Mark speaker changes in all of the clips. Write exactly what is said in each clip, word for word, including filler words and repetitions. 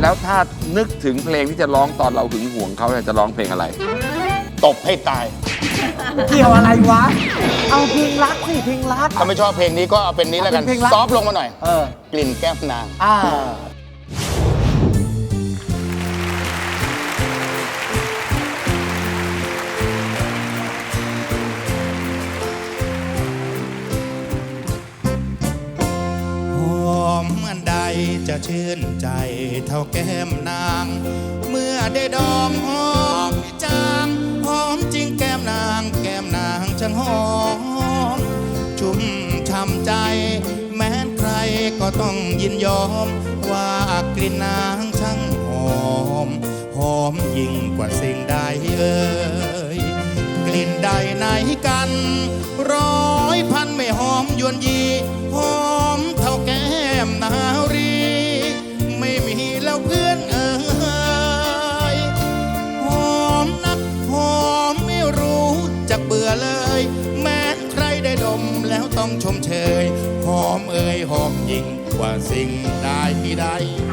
Speaker 1: แล้วถ้านึกถึงเพลงที่จะร้องตอนเราหึงหวงเขาจะร้องเพลงอะไร
Speaker 2: ตบให้ตาย
Speaker 3: เกี่ยวอะไรวะเอาเพลงรักสิเพลงรัก
Speaker 2: ถ้าไม่ชอบเพลงนี้ก็เอาเป็นนี้แล้วกันซอฟลงมาหน่อย
Speaker 3: เออก
Speaker 2: ลิ่นแก้มนาง
Speaker 3: อ่า
Speaker 2: จะชื่นใจเท่าแก้มนางเมื่อได้ดอมหอมจางหอมจริงแก้มนางแก้มนางช่างหอมชุ่มช่ำใจแม้ใครก็ต้องยินยอมว่ากลิ่นนางช่างหอมหอมยิ่งกว่าสิ่งใดเอ่ยกลิ่นใดไหนกันร้อยพันไม่หอมยวนยีหอมเท่าแก้มนารีไม่มีแล้วเพื่อนเอ่ยหอมนักหอมไม่รู้จักเบื่อเลยแม้ใครได้ดมแล้วต้องชมเชยหอมเอ่ยหอมยิ่งกว่าสิ่งใดใด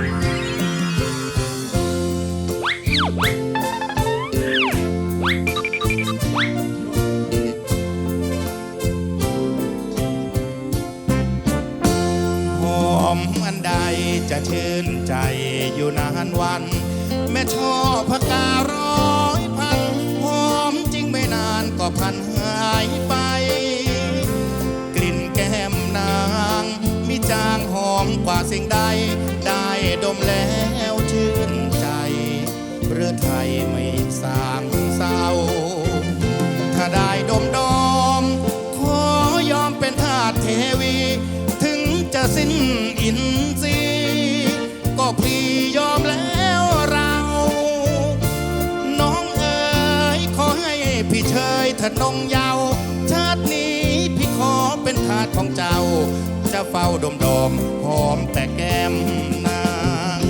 Speaker 2: จะชื่นใจอยู่นานวันแม่ชอบพการ้อยพันหอมจริงไม่นานก็พันหายไปกลิ่นแก้มนางมีจางหอมกว่าสิ่งใดได้ดมแล้วชื่นใจเรือไทยไม่สางเศร้าถ้าได้ดมดอมขอยอมเป็นทาสเทวีถึงจะสิ้นอินทรีย์ก็พี่ยอมแล้วเราน้องเอ๋ยขอให้พี่เชยเถิดนงเยาว์ชาตินี้พี่ขอเป็นทาสของเจ้าจะเฝ้าดมดอมหอมแต่แก้มนาง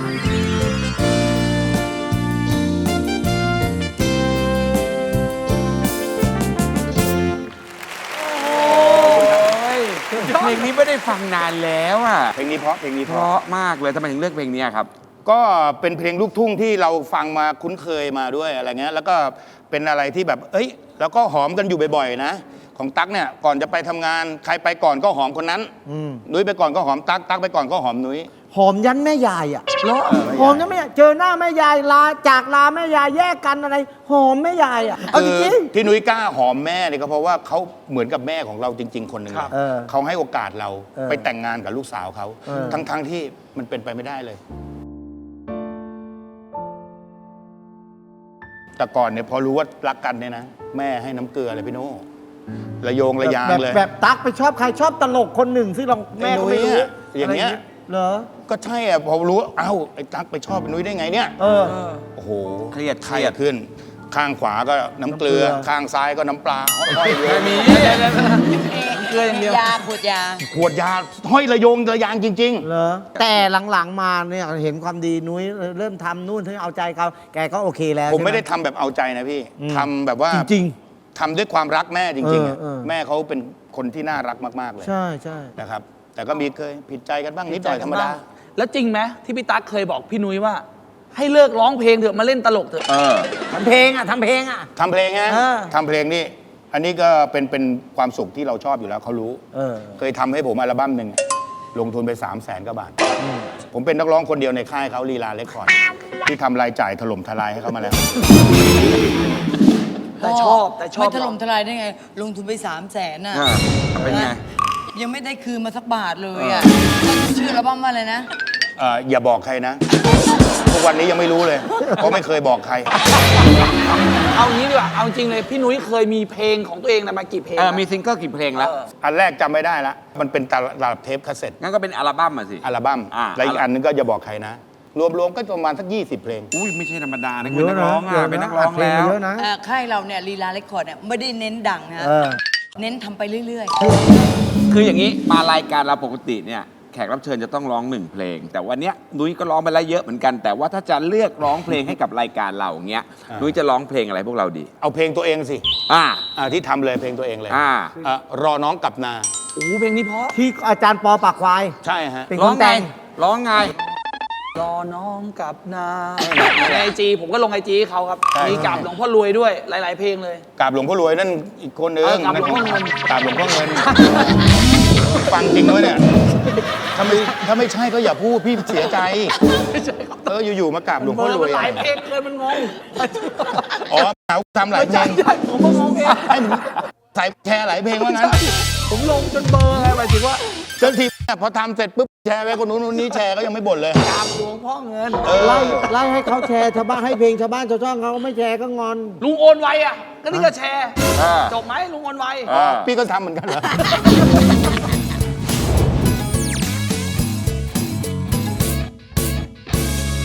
Speaker 1: เพลงนี้ไม่ได้ฟังนานแล้วอ่ะ
Speaker 2: เพลงนี้เพราะเพลงนี้
Speaker 1: เพราะมากเลยทำไมถึงเลือกเพลงนี้ครับ
Speaker 2: ก็เป็นเพลงลูกทุ่งที่เราฟังมาคุ้นเคยมาด้วยอะไรเงี้ยแล้วก็เป็นอะไรที่แบบเอ้ยแล้วก็หอมกันอยู่บ่อยๆนะของตั๊กเนี่ยก่อนจะไปทำงานใครไปก่อนก็หอมคนนั้นนุ้ยไปก่อนก็หอมตั๊กตั๊กไปก่อนก็หอมนุ้ย
Speaker 3: หอมยันแม่ยายอ่ะเหรอหอมยันแม่ยายเจอหน้าแม่ยายลาจากลาแม่ยายแยกกันอะไรหอมแม่ยายอ่ะเอาจริง
Speaker 2: ๆที่นุ้ยกล้าหอมแม่เนี่ยก็เพราะว่าเขาเหมือนกับแม่ของเราจริงๆคนหนึ่งเขาให้โอกาสเราไปแต่งงานกับลูกสาวเขาทั้งๆที่มันเป็นไปไม่ได้เลยแต่ก่อนเนี่ยพอรู้ว่ารักกันเนี่ยนะแม่ให้น้ำเกลือเลยพี่โน่ระโยงระยางเลย
Speaker 3: แบบตั๊กไปชอบใครชอบตลกคนหนึ่งซึ่งเราแม่ก็ไม่รู้
Speaker 2: อย่างเงี้ย
Speaker 3: เหรอ
Speaker 2: ก็ใช่อ่ะพอรู้เอ้าไอ้ตั๊กไปชอบนุ้ยได้ไงเนี่ย
Speaker 3: เออ
Speaker 2: โอ้โห
Speaker 1: เครียด
Speaker 2: เครียดขึ้นข้างขวาก็น้ำเกลือข้างซ้ายก็น้ำปลาห้อยเลย
Speaker 1: มี
Speaker 4: เกลืออย่างเดียวยาขวดยา
Speaker 2: ขวดยาห้อยระโยงระยางจริง
Speaker 3: ๆเหรอแต่หลังๆมาเนี่ยเห็นความดีนุ้ยเริ่มทำนู่นที่เอาใจเขาแกก็โอเคแล้ว
Speaker 2: ผมไม่ได้ทำแบบเอาใจนะพี่ทำแบบว่า
Speaker 3: จริง
Speaker 2: ทำด้วยความรักแม่จริงๆแม่เขาเป็นคนที่น่ารักมากๆเลย
Speaker 3: ใช่ใช่
Speaker 2: นะครับแต่ก็มีเคยผิดใจกันบ้างนิดหน่อยธรรมดา
Speaker 4: แล้วจริงไหมที่พี่ตั๊กเคยบอกพี่นุ้ยว่าให้เลิกร้องเพลงเถอะมาเล่นตลกเถอะ
Speaker 3: ทำเพลงอ่ะทำเพลงอ่ะ
Speaker 2: ทำเพลงฮะทำเพลงนี่อันนี้ก็เป็นเป็นความสุขที่เราชอบอยู่แล้วเขารู้เคยทำให้ผมอัลบั้มหนึ่งลงทุนไปสามแสนกว่าบาทผมเป็นนักร้องคนเดียวในค่ายเขาลีลาเรคคอร์ดที่ทำรายจ่ายถล่มทลายให้เขามาแล้ว
Speaker 4: แต่ชอบแต่ชอบ
Speaker 5: ไม่ถล่มทลายได้ไงลงทุนไปสามแสนน่ะ
Speaker 1: เป็นไง
Speaker 5: ยังไม่ได้คืนมาสักบาทเลยอ่ะชื่ออัลบั้มว่าอะไรนะ
Speaker 2: อย่าบอกใครนะทุกวันนี้ยังไม่รู้เลยเพราะไม่เคยบอกใคร
Speaker 4: เอางี้ดีกว่าเอาจริงเลยพี่นุ้ยเคยมีเพลงของตัวเองนะมากี่เพลง
Speaker 1: มีซิงเกิลกี่เพลงแล้ว
Speaker 2: อันแรกจำไม่ได้ละมันเป็นตลับเทปคาสเซ็ต
Speaker 1: งั้นก็เป็นอัลบั้มอ่ะสิ
Speaker 2: อัลบั้มแล้วอีกอันนึงก็อย่าบอกใครนะรวมๆก็ประมาณสักยี่สิบเพลง
Speaker 1: อุ้ยไม่ใช่ธรรมดานะคุณนักร้องอ่ะเป็นนักร้องแล้ว
Speaker 5: ค่ายเราเนี่ยลีลาเรคคอร์ดเนี่ยไม่ได้เน้นดังนะเน้นทำไปเรื่อย
Speaker 1: ๆคืออย่างนี้มารายการเราปกติเนี่ยแขกรับเชิญจะต้องร้องหนึ่งเพลงแต่วันนี้นุ้ยก็ร้องไปแล้วเยอะเหมือนกันแต่ว่าถ้าจะเลือกร้องเพลงให้กับรายการเราเงี้ยนุ้ยจะร้องเพลงอะไรพวกเราดี
Speaker 2: เอาเพลงตัวเองสิ
Speaker 1: อ่า
Speaker 2: ที่ทำเลยเพลงตัวเองเลย
Speaker 1: อ่
Speaker 2: ารอน้องกลับนา
Speaker 4: โอ้เพลงนี้เพราะ
Speaker 3: ที่อาจารย์ปอปากควาย
Speaker 2: ใช่ฮะ
Speaker 3: ร้องไง
Speaker 1: ร้องไง
Speaker 4: รอน้องกลับนาในไอจีผมก็ลงไอจีเขาครับ
Speaker 6: ใช่
Speaker 4: มีกราบหลวงพ่อรวยด้วยหลาย ๆ เพลงเลย
Speaker 6: กราบหลวงพ่อรวยนั่นอีกคนนึง
Speaker 4: เออกราบหลวงพ่อเงิน
Speaker 6: กราบหลวงพ่อเงิน ฟังจริงด้วยเนี่ยถ้าไม่ถ้าไม่ใช่ก็อย่าพูดพี่เสียใจ เอออยู่ๆมากราบหลวง
Speaker 4: เบ
Speaker 6: พ่
Speaker 4: อ
Speaker 6: อ
Speaker 4: ร์
Speaker 6: รว
Speaker 4: มัน
Speaker 6: ย
Speaker 4: หลาย
Speaker 6: อะ
Speaker 4: เพลงเกินมันงง
Speaker 6: อ๋อเขาทำหลายเพล
Speaker 4: ใช่
Speaker 6: ง
Speaker 4: ใช่ผมก็งงเอง
Speaker 6: ให้ผมใส่แชร์หลายเพลงว่างั้น
Speaker 4: ผมลงจนเบอร์ไงหมายถึงว่า
Speaker 6: เจ้าทีพอทำเสร็จปุ๊บแชร์ไปคนนู้นคนนี้แชร์ก็ยังไม่บ่นเลย
Speaker 4: กราบหลวงพ่อเงิน
Speaker 3: ไล่ไล่ให้เขาแชร์ชาวบ้านให้เพลงชาวบ้านชาวช่องเขาไม่แชร์ก็งอน
Speaker 4: ลุงโอนไวอ่ะ ก็นี่ก็แชร์
Speaker 1: อ่า
Speaker 4: จบไหมลุงโอนไว
Speaker 1: อ่า
Speaker 6: พี่ก็ทำเหมือนกันเหรอ